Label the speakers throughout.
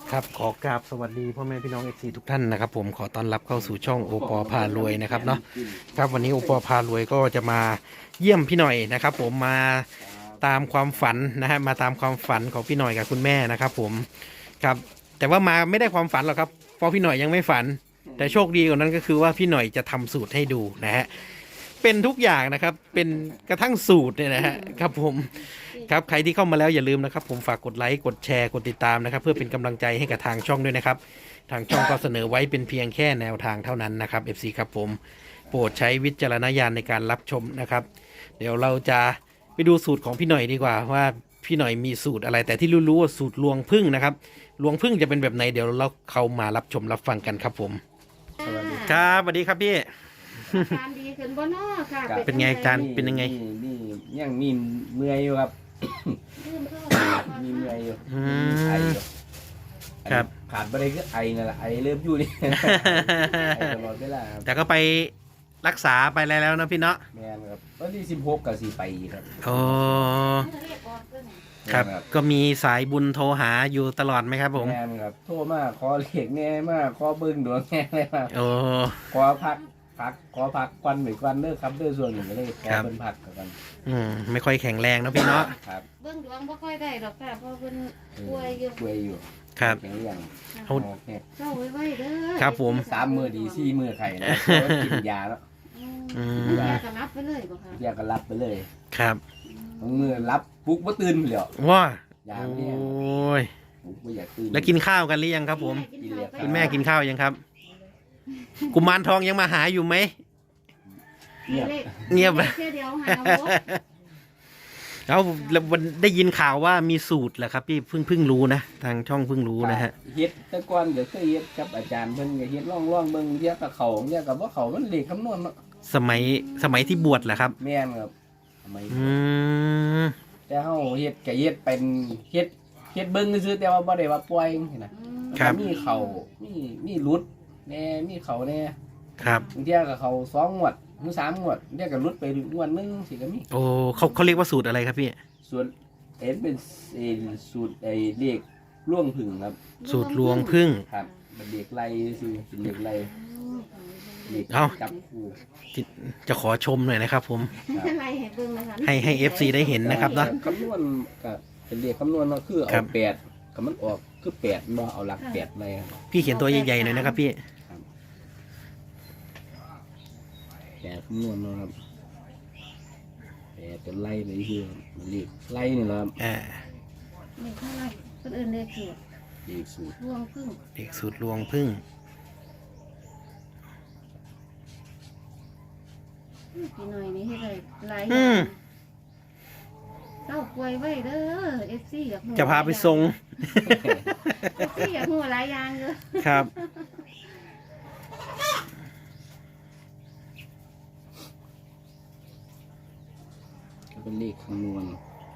Speaker 1: ครับขอกราบสวัสดีพ่อแม่พี่น้องFCทุกท่านนะครับผมขอต้อนรับเข้าสู่ช่องโอปอพารวยนะครับเนาะครับวันนี้โอปอพารวยก็จะมาเยี่ยมพี่หน่อยนะครับผมมาตามความฝันนะฮะมาตามความฝันของพี่หน่อยกับคุณแม่นะครับผมครับแต่ว่ามาไม่ได้ความฝันหรอกครับเพราะพี่หน่อยยังไม่ฝันแต่โชคดีกว่านั้นก็คือว่าพี่หน่อยจะทำสูตรให้ดูนะฮะเป็นทุกอย่างนะครับเป็นกระทั่งสูตรเนี่ยนะฮะครับผมครับใครที่เข้ามาแล้วอย่าลืมนะครับผมฝากกดไลค์กดแชร์กดติดตามนะครับเพื่อเป็นกำลังใจให้กับทางช่องด้วยนะครับทางช่องก็เสนอไว้เป็นเพียงแค่แนวทางเท่านั้นนะครับ FC ครับผมโปรดใช้วิจารณญาณในการรับชมนะครับเดี๋ยวเราจะไปดูสูตรของพี่หน่อยดีกว่าว่าพี่หน่อยมีสูตรอะไรแต่ที่รู้ๆว่าสูตรลวงพึ่งนะครับลวงพึ่งจะเป็นแบบไหนเดี๋ยวเราเข้ามารับชมรับฟังกันครับผมครับสวัสดีครับพี่
Speaker 2: การดีขึ้นบ่น้อค่ะ
Speaker 1: เป็นไงอาจารย์ เป็นยังไง
Speaker 3: นี่ยังมีเมื่อยอยู่ครับ
Speaker 2: ลืมเข้า
Speaker 3: มีเมื่อยอยู่
Speaker 1: อืม
Speaker 3: ไออยู่
Speaker 1: ครับ
Speaker 3: ขาดไปเลยคือไอนั่นแหละไอเริ่มอยู่นี่ ไอตลอดเวลาครับ
Speaker 1: แต่ก็ไปรักษาไปแล้วนะพี่เนาะ
Speaker 3: แม่นครับวันที่16กับ4ไปอีกครับ
Speaker 1: โอ้
Speaker 2: เรียกออกด้วยนะ
Speaker 1: ครับ
Speaker 3: แม่น
Speaker 1: ก็มีสายบุญโทรหาอยู่ตลอดไหมครับผม
Speaker 3: แม่นครับโทรมาขอเลขแน่มากขอเบิ้งดวงแน่เลยครับ
Speaker 1: โอ้
Speaker 3: ขอพักขอพักควันเหมือนควันเด้อครับเด้อส่วนหนึ่งก็เลยขอ
Speaker 1: ครับ
Speaker 3: เป็นพักกัน
Speaker 1: ไม่ค่อยแข็งแรงนะพี่เนาะ
Speaker 3: ครับ
Speaker 2: เบิ่งดวงบ่ค่อยได้หรอกค่ะเพราะเพิ่นป่วยอยู่
Speaker 3: ป่วยอยู่
Speaker 1: ครับ
Speaker 3: แข็งอย่าง
Speaker 1: เขา
Speaker 3: โอเค
Speaker 2: เศร้าไว้เด้อ
Speaker 1: ครับผม
Speaker 3: 3 มื้อดี4 มื้อไข่นะเพราะว่ากินยาแล้ว
Speaker 2: อืมยาก็รับไปเลยบ่ค่ะ
Speaker 3: ยาก็รับไปเลย
Speaker 1: ครับ
Speaker 3: บางมื้อรับปลุกบ่ตื่นเลย
Speaker 1: ว้า
Speaker 3: ยา
Speaker 1: โอ
Speaker 3: ไม่แน่
Speaker 1: ้ย
Speaker 3: ปลุกบ่อยากตื่น
Speaker 1: แล้วกินข้าวกันหรือยังครับผม
Speaker 2: กินข้าวไป
Speaker 1: คุณแม่กินข้าวยังครับ กุมารทองยังมาหาอยู่ไหม
Speaker 3: เงียบ
Speaker 1: เงียบ
Speaker 2: เลขแค่เดียวหาบ่
Speaker 1: เอาแล้ววันได้ยินข่าวว่ามีสูตรแหละครับพี่เพิ่งรู้นะทางช่องเพิ่งรู้นะฮะ
Speaker 3: เฮ็ดแต่ก่อนก็เคยเฮ็ดกับอาจารย์เพิ่นก็เฮ็ดร่องๆเบิ่งเรียกกับเขาเรียกกับว่าเขามันเลขคำนวณเนาะ
Speaker 1: สมัยที่บวชแหละครับ
Speaker 3: แม่นครับทำไม
Speaker 1: อืม
Speaker 3: แต่เฮาเฮ็ดก็เฮ็ดเป็นเฮ็ดเบิ่งซื่อๆแต่ว่าบ่ได้ว่าปล่อยจังซี่นะ
Speaker 2: อืม
Speaker 1: ครับ
Speaker 3: มีเขามีหลุดแน่มีเขาแน่
Speaker 1: ครับ
Speaker 3: บางเที่ยก็เขา2งวดหรือ3งวดเที่ยก็หลุดไปงวดหนึงสิก็มี
Speaker 1: โอ้เขาเรียกว่าสูตรอะไรครับพี่
Speaker 3: ส่วนเป็นสูตรเลขล่วงผึ่งครับ
Speaker 1: สูตรลวงพึ่ง
Speaker 3: ครับเป็นเลขไล่ซื่อเป็นเลขไล่เลข
Speaker 1: เอ้า
Speaker 3: จับคู่
Speaker 1: จะขอชมหน่อยนะครับผม
Speaker 2: อะไรให้เบิ่งนะคะ
Speaker 1: ให้ FC ได้เห็นนะครับเนาะ
Speaker 3: คำนวณก็เป็นเลขคำนวณเนาะคือ
Speaker 1: ครั
Speaker 3: เอา
Speaker 1: บ
Speaker 3: 8ก็มันออกคือ8บ่เอาหลัก8ไปครับ
Speaker 1: พี่เขียนตัวใหญ่ๆหน่อยนะครับพี่
Speaker 3: 8คำนวณเนาะครับ8จะไล่ไปคือเลขไล่นี่แหละครับ
Speaker 1: อ่า
Speaker 2: เลขเท่าไหร่เพิ่นเอิ้นเลขสูตร
Speaker 3: เลขสูตร
Speaker 2: รวงพึ่ง
Speaker 1: เด็กสูตรลวงพึ่ง
Speaker 2: พี่หน่อยนี่เฮ็ดได้หลายอ
Speaker 1: อื
Speaker 2: ย่าง
Speaker 1: ม
Speaker 2: เจ้าป่วยไว้เด้อ FC อยากรู้
Speaker 1: จะพาไปทรง
Speaker 2: FC อยากรู้หลายอย่างเด้อ
Speaker 1: ครับ
Speaker 3: ก็เป็นเลขคำนวณ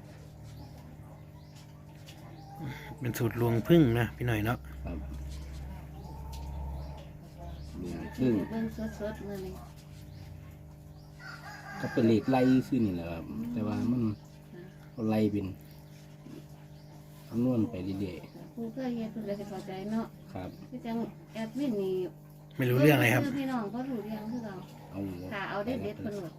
Speaker 1: เป็นสูตรลวงพึ่งนะพี่หน่อยเนาะ
Speaker 3: ครับซึ่ง
Speaker 2: เบิ่งสดๆมื้อนี้
Speaker 3: ก็เป็นเลขไล่ขึ้นนี่แหละครับแต่ว่ามันก็ไล่เป็นคำนวณไปเรื่อย
Speaker 2: ผู้เคยเฮ็ดเพิ่นก็สิเข้าใจเนาะ
Speaker 3: ๆครับ
Speaker 2: คือจังแอดมินนี่
Speaker 1: ไม่รู้เรื่องอะไรครับ
Speaker 2: พี่น้องก็รู้เรื่องคือเรา
Speaker 3: เอา
Speaker 2: ค่ะเอาเด็ดๆเพิ่นโหลด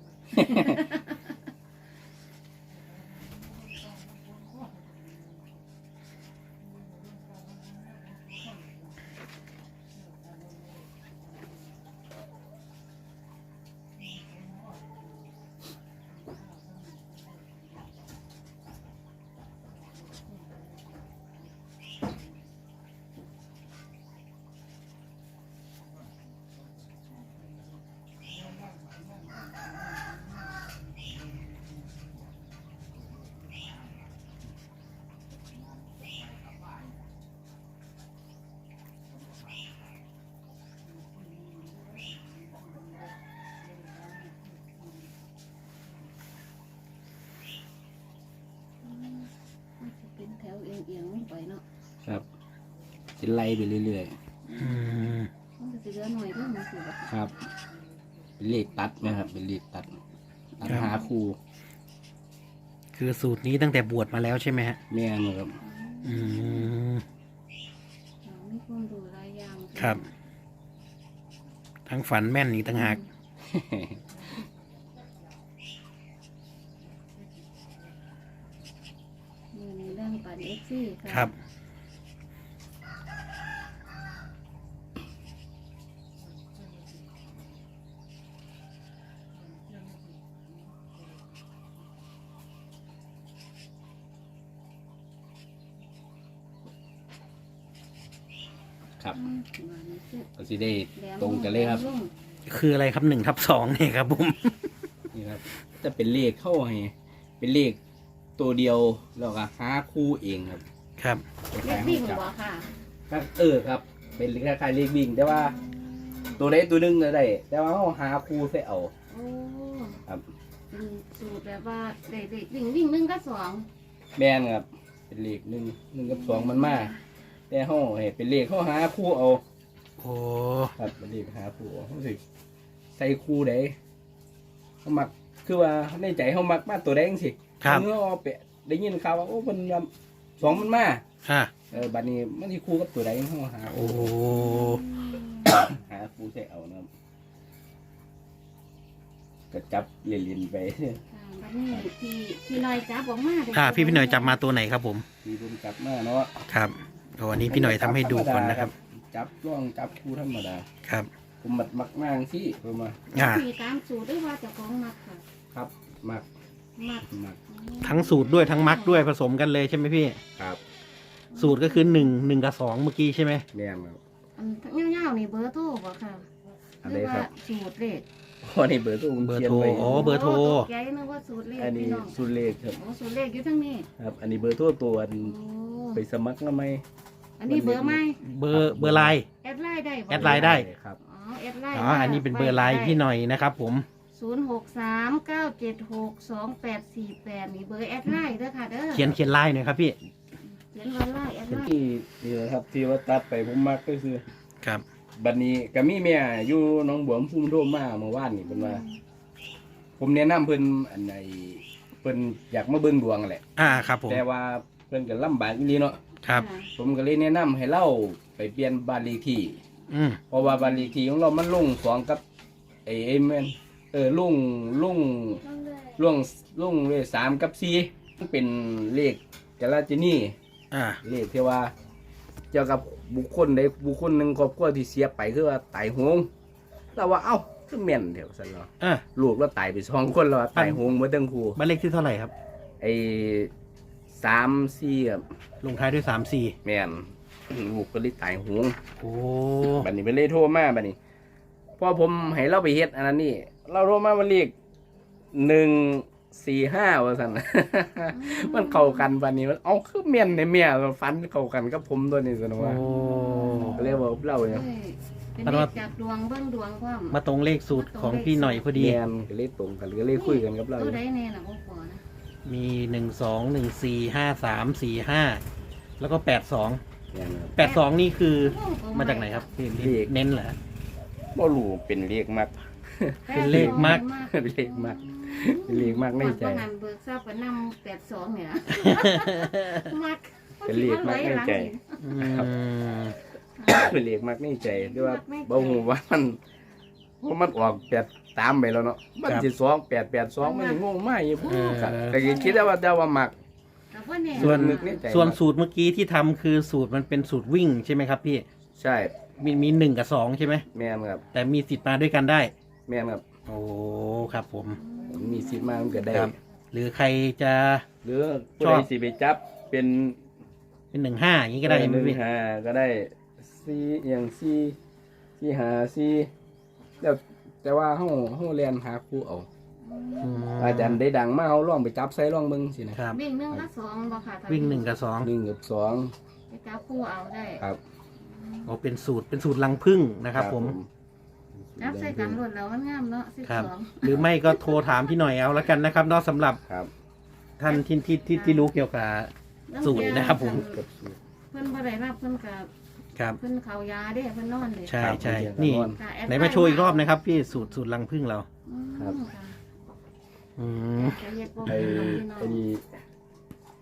Speaker 2: มันจะเป็นแถวเอียงๆลงไปเนาะ
Speaker 3: ครับจะไล่ไปเรื่อย
Speaker 1: อืม
Speaker 2: มันก็สิเหลือหน่อยเด้อมันสิแบบ
Speaker 3: ๆครับ เป็นเลขตัดนะครับ เป็นเลขตัดหาครู
Speaker 1: คือสูตรนี้ตั้งแต่บวชมาแล้วใช่ไหมฮะ
Speaker 3: แม่นครับ
Speaker 1: อืม
Speaker 2: หความรู้หลายอย่าง
Speaker 1: ครับ ทั้งฝันแม่นอีกต่างหาก
Speaker 2: มีเรื่องปันเอฟซีค่ะ
Speaker 1: ครับ
Speaker 3: ครับ
Speaker 2: อืมวันนี้คือ
Speaker 3: ก็สิได้
Speaker 2: แหลม
Speaker 3: ตรงกันเลยครับ
Speaker 2: แหม
Speaker 1: คืออะไรครับ1/2เนี่ยครับผม
Speaker 3: นี่ครับจะเป็นเลขเข้าให้เป็นเลขตัวเดียวแล้วก็หาคู่เองครับ
Speaker 1: ครับ
Speaker 2: เล็กวิ่งบ่ค่ะ
Speaker 3: ครับครับ เป็นคล้ายๆเลขวิ่งแต่ว่า ตัวใดตัวหนึงก็ได้แต่ว่าเราหาคู่ใส่เอา
Speaker 2: โอ้
Speaker 3: ครับ
Speaker 2: เป็นสูตรแบบว่าเด็กวิ่ง1กับ2
Speaker 3: แม่นครับ เป็นเลข1กับ2มันมาแต่เราให้เป็นเลขเขาหาคู่เอา
Speaker 1: โอ้
Speaker 3: ครับเป็นเลขหาคู่เอารู้สึกใส่คู่ใดเขามักคือว่าในใจเขามักมาตัวแดจังสิ
Speaker 1: ครับ
Speaker 3: เมื่อเอาไปได้ยินข่าวว่าโอ้มันว่าสองมันมา
Speaker 1: อ่ะ
Speaker 3: บัดนี้มันที่คู่กับตัวใดเขาหา
Speaker 1: โอ้
Speaker 3: หาคู่ใส่เอานะครับก็จับเล่นๆไป
Speaker 2: บัดนี้ที่ลอยจับออกมาเด้
Speaker 1: พี่หน่อยจับมาตัวไหนครับผม
Speaker 3: มีบุญจับมาเนาะ
Speaker 1: ครับโอ้อันนี้พี่หน่อยทำให้ดูก่อนนะครับ
Speaker 3: จับร่องจับคู่ธรรมดา
Speaker 1: ครับ
Speaker 3: ผมมักมากสิผมมา
Speaker 1: อ่า
Speaker 2: มีตามสูตรด้วยว่าเจ้าของมักค่ะ
Speaker 3: ครับมัก
Speaker 2: มัก
Speaker 3: มัก
Speaker 1: ทั้งสูตรด้วยทั้งมักด้วยผสมกันเลยใช่ไหมพี่
Speaker 3: ครับ
Speaker 1: สูตรก็คือ1กับ2เมื่อกี้ใช่ไหม
Speaker 3: แม่นครับ
Speaker 2: อันเงาๆนี่เบอร์โทรบ่ค่ะ
Speaker 3: อัน
Speaker 2: ห
Speaker 3: ใด
Speaker 2: รือ
Speaker 3: ครั
Speaker 2: ว่า
Speaker 3: บ
Speaker 2: สูตรเลข
Speaker 3: อ๋อนี่เบอร์โทรผม
Speaker 1: เบอร์
Speaker 3: เขียน
Speaker 1: โทร
Speaker 3: ไว้
Speaker 1: อ๋อเบอร์โทร
Speaker 2: ตกใจนึกว่าสูตรเลข
Speaker 3: อันนี้
Speaker 2: พี่น้อง
Speaker 3: สุดเลขครับ
Speaker 2: โอ้สูตรเลขอยู่ทั้งนี้
Speaker 3: ครับ อันนี้เบอร์โทรตัวอัน
Speaker 2: โอ้
Speaker 3: ไปสมัครแล้วไหม
Speaker 2: อันนี้เบอร์ไหม
Speaker 1: เบอร์ไลน์
Speaker 2: แอดไลน์ได้บ่
Speaker 1: แอดไลน์ได้
Speaker 3: ครับ
Speaker 2: อ๋อแอดไลน์
Speaker 1: อ๋ออันนี้เป็นเบอร์ไลน์พี่หน่อยนะครับผม
Speaker 2: 0639762848นี่เบอร์แอดไลน์เด้อค่ะเด้อ
Speaker 1: เขียนไลน์หน่อยครับพี่
Speaker 2: เขียนว่าไลน์แอดไลน์
Speaker 3: ที่นี่แหละครับที่ว่าตัดไปผมมักก็คือ
Speaker 1: ครับ
Speaker 3: บัดนี้ก็มีแม่อยู่หน้องบัวลำพูโทรมาเมื่อวานนี่เพิ่นว่า ผมแนะนำเพิ่นอันใดเพิ่นอยากมาเบิ่งดวงแหละ
Speaker 1: ครับผม
Speaker 3: แต่ว่าเพิ่นก็ลำบากอีหลีเนาะ
Speaker 1: ครับ
Speaker 3: ผมก็เลยแนะนำให้เราไปเปลี่ยนบ้านเลขที่
Speaker 1: อืม
Speaker 3: เพราะว่าบ้านเลขที่ของเรามันลงสองกับไอ้แม่นลุงเลย3กับ4มันเป็นเลขกาลาจินี เลขที่ว่าเกี่ยวกับบุคคลใดบุคคลหนึ่งครอบครัวที่เสียไปคือว่าตายโหงเราว่าเอ้าคือแม่นเดี๋ยวสันเรา
Speaker 1: อ่า
Speaker 3: ลูกเราตายไป2 คนแล้วว่าตายโหงเมื่อตั้งครู
Speaker 1: บ้านเลขที่เท่าไหร่ครับ
Speaker 3: ไอ้3-4ครับ
Speaker 1: ลงท้ายด้วย34
Speaker 3: แม่นลูกก็เลยตายโหง
Speaker 1: โอ้
Speaker 3: บัดนี้เป็นเลขโทรมาบัดนี้พอผมให้เราไปเฮ็ดอันนั้นนี่เราโทรมาวันเลข145ว่าซั่น มันเข้ากันบัดนี้มันเอาคือแม่นในแม่ฟันเข้ากันกับผมตัวนี้ซั่น
Speaker 1: โอ้
Speaker 3: ว่าก็เลยบอกเราเนี่ย
Speaker 2: เป็นเลขจากดวงเบิ่งดวงความ
Speaker 1: มาตรงเลขสูตรของพี่หน่อยพอดี
Speaker 3: แมนก็เลยตรงกันก็เลยคุยกันกับเรา
Speaker 2: ตัวใดแน่น่ะบ่พอนะ
Speaker 1: มี12145345แล้วก็82
Speaker 3: แมนครับ
Speaker 1: 82นี่คือมาจากไหนครับพี่เน้นเหรอ
Speaker 3: บ่รู้เป็นเลขมัก
Speaker 1: เป็นเลขมัก
Speaker 3: เป็นเลขมักเป็นเลขมักในใจ
Speaker 2: ว่างั้นเบิกทราบว่านำ82เนี่ยมัก
Speaker 3: เป็นเลขมักในใจ
Speaker 1: อืม
Speaker 3: เป็นเลขมักในใจด้วยว่าบ่ฮู้ว่ามันออก83ไปแล้วเนาะมันสิ2882มันสิงงมากอยู่พุ่นครับแต่ก็คิดว่ามัก
Speaker 2: แต่ว่าแน่
Speaker 1: ส่วน
Speaker 3: นึกในใจ
Speaker 1: ส่วนสูตรเมื่อกี้ที่ทำคือสูตรมันเป็นสูตรวิ่งใช่ไหมครับพี่
Speaker 3: ใช่
Speaker 1: มี1กับ2ใช่ไหม
Speaker 3: แม่นครับ
Speaker 1: แต่มีสิทธิ์มาด้วยกันได้
Speaker 3: แม่นครับ
Speaker 1: โอ้ครับผม
Speaker 3: มีสิทธิ์มามันก็ได้
Speaker 1: ครับ หรือใครจะ
Speaker 3: หรือผู้ใดสิไปจับเป็น
Speaker 1: เป็น15อย่างนี้ก็ได้ใช่ไหมพี่
Speaker 3: 1-5ก็ได้4อย่าง4 5แล้วแต่ว่าเฮาเรียนหาครูเอา
Speaker 1: อืม
Speaker 3: อาจารย์ได้ดังมาเฮาลองไปจับใส่ลองเบิ่งสินะครับ
Speaker 2: วิ่ง1กับ2บ่ค่ะถ้า
Speaker 1: วิ่ง1กับ2
Speaker 3: 1กับ2
Speaker 2: ไปจับคู่เอาได้
Speaker 3: ครับ
Speaker 1: โอ้เป็นสูตรรังผึ้งนะครับผม
Speaker 2: จับใส่กันรวดแล้วมันงามเนาะ
Speaker 1: ครับ
Speaker 2: 12
Speaker 1: หรือไม่ก็โทรถามพี่หน่อยเอาแล้วกันนะครับเนอกสำหรับ
Speaker 3: ครับ
Speaker 1: ท่านที่รู้เกี่ยวกับ สูตรนะครับผม
Speaker 3: กับสูตร
Speaker 2: เพิ่นบ่ได้รับเพิ่นก็
Speaker 1: ครับ
Speaker 2: เพิ่นเขายาเด้เพิ่นนอนเด้
Speaker 1: ใช่ใช่
Speaker 3: ครับ
Speaker 1: นี่
Speaker 2: ค่ะแอด
Speaker 1: ไหนมาโชว์อีกรอบนะครับพี่สูตรรังผึ้งเรา
Speaker 2: อืม
Speaker 3: ครับ
Speaker 2: ค่ะ
Speaker 1: อืม
Speaker 2: จะเฮ็ดบ่
Speaker 3: ไอ้
Speaker 2: เป็นน้องพี่น้อง
Speaker 3: ไอ้นี่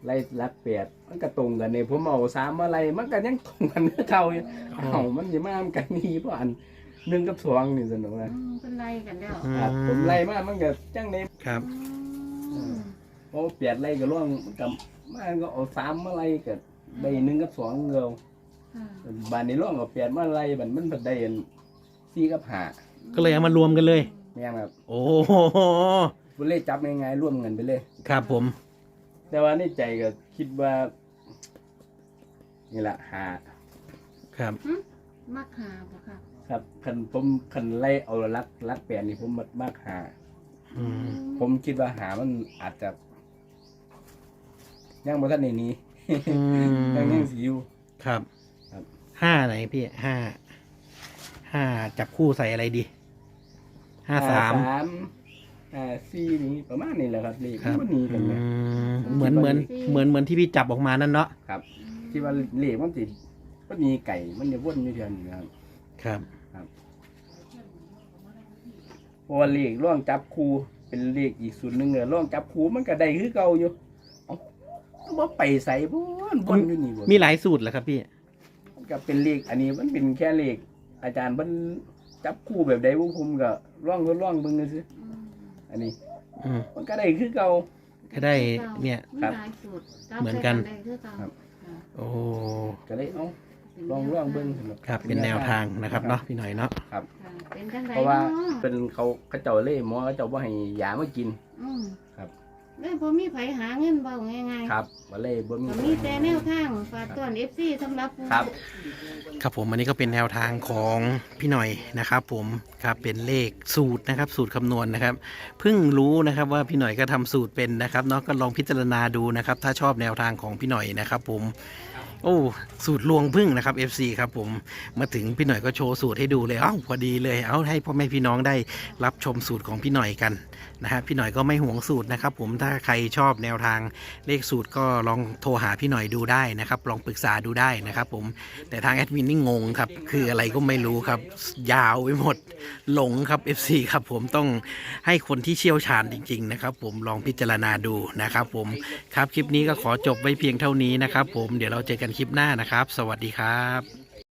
Speaker 3: ไล่รัก8มันก็ตรงกันเนี่ยผมเอา3มาไล่มันก็ยังตรงกันคือเก่าอยู่มันสิมากันนี่เพราะอัน1กับ2นี่สนุกนะ
Speaker 2: เป็นไรกันแล้ว
Speaker 3: ครับผมไล่มามันก็จังได๋
Speaker 1: ครับ
Speaker 3: โอ้8ไล่ก็ร่วงมันก็มันก็เอา3มาไล่ก็ได้1กับ2เงา
Speaker 2: ค่ะ
Speaker 3: บานนี้ร่วงเอา8มาไล่บัดมันได้4กับ5
Speaker 1: ก็เลยเอามารวมกันเลย
Speaker 3: แม่นครับ
Speaker 1: โอ้โห
Speaker 3: บ่เลยจับง่ายๆร่วมกันไปเลย
Speaker 1: ครับผม
Speaker 3: แต่ว่าในใจก็คิดว่านี่แหละหา
Speaker 1: ครับ
Speaker 2: มักหาบ่ค่ะ
Speaker 3: ครับคันไล่เอารักแปลนนี่ผมมากหา
Speaker 1: อืม
Speaker 3: ผมคิดว่าหามันอาจจะยังบ่ทันในนี้
Speaker 1: อืม
Speaker 3: ยังสิอยู่
Speaker 1: ครับ
Speaker 3: ครับ
Speaker 1: 5ไหนพี่5จับคู่ใส่อะไรดี53
Speaker 3: 4นี่ประมาณนี้แหละครับเลข
Speaker 1: ครับ
Speaker 3: มันหนีกันเลย
Speaker 1: เหมือนที่พี่จับออกมานั่นเนาะ
Speaker 3: ครับ ที่ว่าเลขมันสิมันหนีไก่มันจะวนอยู่เทื่อนี้ครับ
Speaker 1: ครับ
Speaker 3: เพราะว่าเลขร่องจับคู่เป็นเลขอีกสูตรหนึงร่องจับคู่มันก็ได้คือเก่าอยู่เอ้าก็บ่ไปใส่วนอยู่นี่บ่
Speaker 1: มีหลายสูตรเหรอครับพี่
Speaker 3: มันก็เป็นเลขอันนี้มันเป็นแค่เลขอาจารย์มันจับคู่แบบใดบ่ผมก็ร่องเบิ่งซื่ออันนี้
Speaker 1: อืม
Speaker 3: มันก็ได้คือเก่า
Speaker 1: ก็ได้เนี่ย
Speaker 3: ครับ
Speaker 2: มีหลายสูตร
Speaker 1: เหมือนกัน
Speaker 2: ได้คือเก่า
Speaker 3: ครับ
Speaker 2: ค่ะ
Speaker 1: โอ้
Speaker 3: ก็เลยลองเบิ่งสำห
Speaker 1: ครับเป็นแนวทางนะครับเนาะพี่หน่อยเนาะ
Speaker 3: ครับ
Speaker 2: ค่ะเป็นจังได
Speaker 3: เพราะว่า
Speaker 2: เนาะ
Speaker 3: เป็นเขาเจ้าเล่หมอเขาเจ้าบ่ให้ยามากิน
Speaker 2: อืม
Speaker 3: ครับ
Speaker 2: แล้วพอมีไผหาเงินเบาง่ายๆ
Speaker 3: ครับบ่เลยบ่มี
Speaker 2: ก็มีแต่แนวทางฝากต้อน FC สำหรับผู้
Speaker 3: ครับ
Speaker 1: ครับผมอันนี้ก็เป็นแนวทางของพี่หน่อยนะครับผมครับเป็นเลขสูตรนะครับสูตรคำนวณนะครับเพิ่งรู้นะครับว่าพี่หน่อยก็ทำสูตรเป็นนะครับเนาะก็ลองพิจารณาดูนะครับถ้าชอบแนวทางของพี่หน่อยนะครับผมโอ้สูตรลวงพึ่งนะครับ FC ครับผมมาถึงพี่หน่อยก็โชว์สูตรให้ดูเลยเอ้าพอดีเลยเอาให้พ่อแม่พี่น้องได้รับชมสูตรของพี่หน่อยกันนะฮะพี่หน่อยก็ไม่ห่วงสูตรนะครับผมถ้าใครชอบแนวทางเลขสูตรก็ลองโทรหาพี่หน่อยดูได้นะครับลองปรึกษาดูได้นะครับผมแต่ทางแอดมินนี่งงครับคืออะไรก็ไม่รู้ครับยาวไปหมดหลงครับ FC ครับผมต้องให้คนที่เชี่ยวชาญจริงๆนะครับผมลองพิจารณาดูนะครับผมครับคลิปนี้ก็ขอจบไว้เพียงเท่านี้นะครับผมเดี๋ยวเราเจอกันคลิปหน้านะครับ สวัสดีครับ